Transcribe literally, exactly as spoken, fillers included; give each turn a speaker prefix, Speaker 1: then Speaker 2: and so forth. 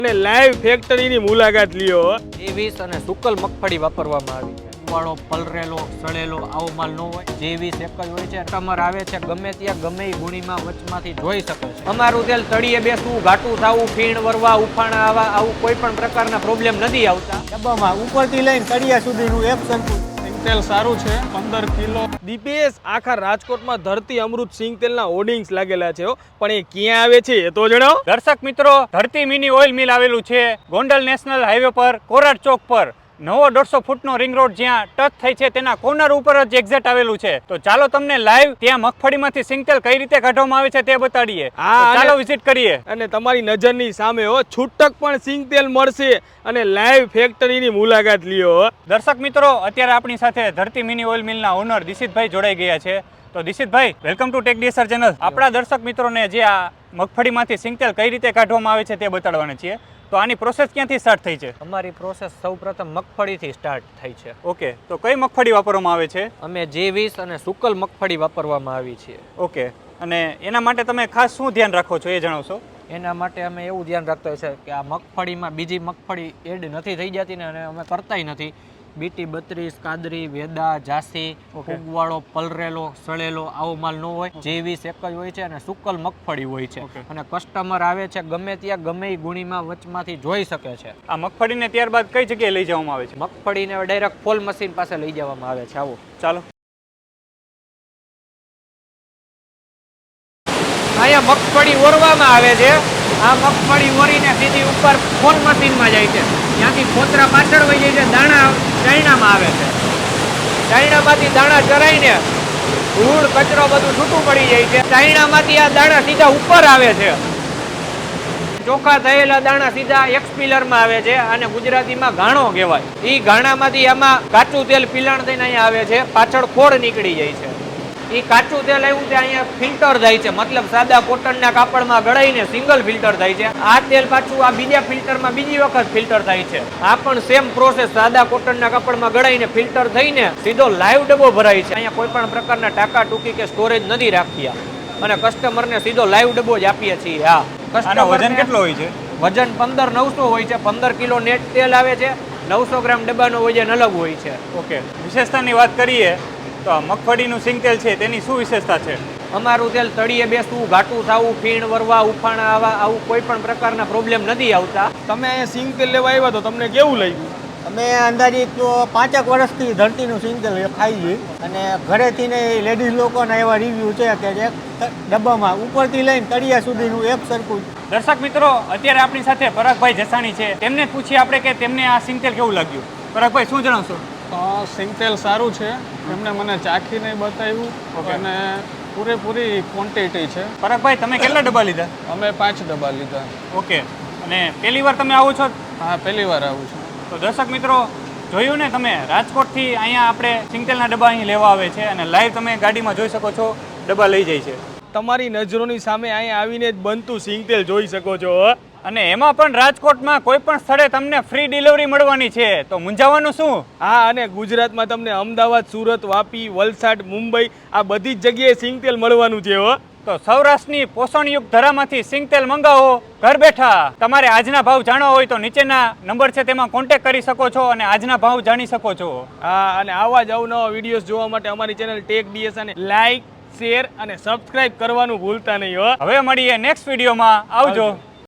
Speaker 1: અને લાઈવ ફેક્ટરીની મુલાકાત લ્યો.
Speaker 2: જેવીસ અને સુકલ મગફળી વાપરવામાં આવી છે. વાળો પલરેલો સડેલો આવો માલ ન હોય. જેવીસ એક જ હોય છે. કસ્ટમર આવે છે ગમે ત્યાં ગમે એ ગુણીમાં વચમાંથી જોઈ શકે છે. અમારું તેલ તળિયે બેસવું, ઘાટું થવું, ફીણ વરવા, ઉફાણા આવવા આવું કોઈ પણ પ્રકારના પ્રોબ્લેમ નથી આવતા.
Speaker 3: ડબ્બામાં ઉપરથી લઈને તળિયા સુધીનું એક સરખું
Speaker 1: સિંગતેલ સારું છે. પંદર કિલો દીપેશ આખા રાજકોટમાં ધરતી અમૃત સિંગતેલના હોર્ડિંગ્સ લાગેલા છે, પણ એ ક્યાં આવે છે એ તો જણાવો.
Speaker 4: દર્શક મિત્રો, ધરતી મિની ઓઇલ મિલ આવેલું છે ગોંડલ નેશનલ હાઈવે પર કોરાટ ચોક પર. નવો દોઢસો ફૂટનો રિંગ રોડ જ્યાં ટચ થઈ છે તેના કોર્નર ઉપર જ એક્ઝેક્ટ આવેલું છે. તો ચાલો તમને લાઈવ ત્યાં મગફળીમાંથી સિંગતેલ કઈ રીતે કાઢવામાં આવે છે તે બતાડીએ.
Speaker 1: હા,
Speaker 4: ચાલો વિઝિટ કરીએ.
Speaker 1: અને તમારી નજરની સામે હો છૂટક પણ સિંગતેલ મળશે અને લાઈવ ફેક્ટરીની મુલાકાત લ્યો.
Speaker 4: દર્શક મિત્રો, અત્યારે આપણી સાથે ધરતી મિની ઓઇલ મિલના ઓનર દિશિતભાઈ જોડાઈ ગયા છે. તો દિશિતભાઈ, welcome to tech DSR channel. આપણા દર્શક મિત્રોને જે આ મગફળીમાંથી સિંગતેલ કઈ રીતે કાઢવામાં આવે છે તે બતાડવાના છીએ. તો આની પ્રોસેસ ક્યાંથી સ્ટાર્ટ થઈ છે?
Speaker 2: અમારી પ્રોસેસ સૌપ્રથમ મગફળીથી સ્ટાર્ટ થઈ છે.
Speaker 4: ઓકે, તો કઈ મગફળી વાપરવામાં આવે છે?
Speaker 2: અમે જેવીસ અને સુકલ મગફળી વાપરવામાં આવી છે.
Speaker 4: ઓકે, અને એના માટે તમે ખાસ શું ધ્યાન રાખો છો એ જણાવશો?
Speaker 2: એના માટે અમે એવું ધ્યાન રાખતા હોય છે કે આ મગફળીમાં બીજી મગફળી એડ નથી થઈ જતી ને, અને અમે કરતાય નથી. બીટી બત્રીસ, કાદરી, વેદા, જાસી, ફૂગવાળો, પલરેલો, સડેલો આવો માલ ન હોય. જેવીસ એક જ હોય છે અને સુકલ મગફળી હોય છે. અને કસ્ટમર આવે છે ગમે ત્યાં ગમે એ ગુણીમાં વચમાંથી જોઈ શકે છે.
Speaker 4: આ મગફળીને ત્યારબાદ કઈ જગ્યાએ લઈ જવામાં આવે છે?
Speaker 2: મગફળીને ડાયરેક્ટ ફોલ મશીન પાસે લઈ જવામાં આવે છે. આવો
Speaker 4: ચાલો.
Speaker 2: અહીંયા મગફળી ઓરવામાં આવે છે. આ મગફળી ઓરીને સીધી ઉપર ફોલ મશીનમાં જાય છે. ત્યાંથી ફોતરા પાછળ વહી જાય છે. દાણા ચાયણામાં આવે છે. ચાયણામાંથી દાણા ચરાઈને ધૂળ કચરો બધું છૂટું પડી જાય છે. ચાયણામાંથી આ દાણા સીધા ઉપર આવે છે. ચોખ્ખા થયેલા દાણા સીધા એક્સપિલરમાં આવે છે અને ગુજરાતીમાં ઘાણો કહેવાય. એ ઘાણામાંથી આમાં કાચું તેલ પિલાણ થઈને અહીંયા આવે છે. પાછળ ખોળ નીકળી જાય છે. એ કાચું તેલ આવ્યું તે અહીંયા ફિલ્ટર થાય છે, મતલબ સાદા કોટનના કાપડમાં ગળાઈને સિંગલ ફિલ્ટર થાય છે. આ તેલ પાછું આ બીજા ફિલ્ટરમાં બીજી વખત ફિલ્ટર થાય છે. આ પણ સેમ પ્રોસેસ, સાદા કોટનના કાપડમાં ગળાઈને ફિલ્ટર થઈને સીધો લાઈવ ડબ્બો ભરાય છે. અહીંયા કોઈ પણ પ્રકારના ટાંકા ટૂંકી કે સ્ટોરેજ નથી રાખ્યા અને કસ્ટમરને સીધો લાઈવ ડબ્બો જ આપીએ છીએ. હા,
Speaker 4: આનો વજન કેટલો હોય છે?
Speaker 2: વજન પંદર નવસો હોય છે. પંદર કિલો નેટ તેલ આવે છે. નવસો ગ્રામ ડબ્બાનો વજન અલગ હોય છે.
Speaker 4: ઓકે, વિશેષતાની વાત કરીએ તો આ મગફળીનું સિંગતેલ છે તેની શું વિશેષતા છે?
Speaker 2: અમારું તેલ તળિયે બેસવું, ઘાટું થવું, ફીણ વરવા, ઉફાણા આવવા આવું કોઈ પણ પ્રકારના પ્રોબ્લેમ નથી આવતા.
Speaker 1: તમે અહીંયા સિંગતેલ લેવા આવ્યા તો તમને કેવું લાગ્યું?
Speaker 3: અમે અંદાજિત તો પાંચેક વર્ષથી ધરતીનું સિંગતેલ ખાઈ છીએ અને ઘરેથી ને લેડીઝ લોકોના એવા રિવ્યૂ છે કે જે ડબ્બામાં ઉપરથી લઈને તળિયા સુધીનું એક સરખું.
Speaker 4: દર્શક મિત્રો, અત્યારે આપણી સાથે પરાગભાઈ જસાણી છે. તેમને પૂછીએ આપણે કે તેમને આ સિંગતેલ કેવું લાગ્યું. પરાગભાઈ, શું જણાવશો?
Speaker 5: સિંગતેલ સારું છે. એમને મને ચાખીને બતાવ્યું અને પૂરેપૂરી ક્વોન્ટિટી છે.
Speaker 4: પરાગભાઈ, તમે કેટલા ડબ્બા લીધા?
Speaker 5: અમે પાંચ ડબ્બા લીધા.
Speaker 4: ઓકે, અને પહેલી વાર તમે આવો છો?
Speaker 5: હા, પહેલી વાર આવું છું.
Speaker 4: તો દર્શક મિત્રો, જોયું ને તમે, રાજકોટથી અહીંયા આપણે સિંગતેલના ડબ્બા અહીં લેવા આવે છે અને લાઈવ તમે ગાડીમાં જોઈ શકો છો, ડબ્બા લઈ જાય છે.
Speaker 1: તમારી નજરોની સામે અહીંયા આવીને જ બનતું સિંગતેલ જોઈ શકો છો.
Speaker 4: અને એમાં પણ રાજકોટમાં કોઈ પણ સ્થળે તમને ફ્રી ડિલિવરી મળવાની છે, તો મૂંઝાવાનું શું?
Speaker 1: હા, અને ગુજરાતમાં તમને અમદાવાદ, સુરત, વાપી, વલસાડ, મુંબઈ આ બધી જ જગ્યાએ સિંગતેલ મળવાનું છે. હો,
Speaker 4: તો સૌરાષ્ટ્રની પોષણયુક્ત ધરામાંથી સિંગતેલ મંગાવો ઘર બેઠા. તમારે આજના ભાવ જાણવા હોય તો નીચેના નંબર છે તેમાં કોન્ટેક્ટ કરી શકો છો અને આજના ભાવ જાણી શકો છો.
Speaker 1: હા, અને આવા જ અવનવા વિડીયોઝ જોવા માટે અમારી ચેનલ ટેક ડીએસઆરને લાઈક, શેર અને સબસ્ક્રાઇબ કરવાનું ભૂલતા નહીં. હો,
Speaker 4: હવે મળીએ નેક્સ્ટ વિડીયોમાં. આવજો.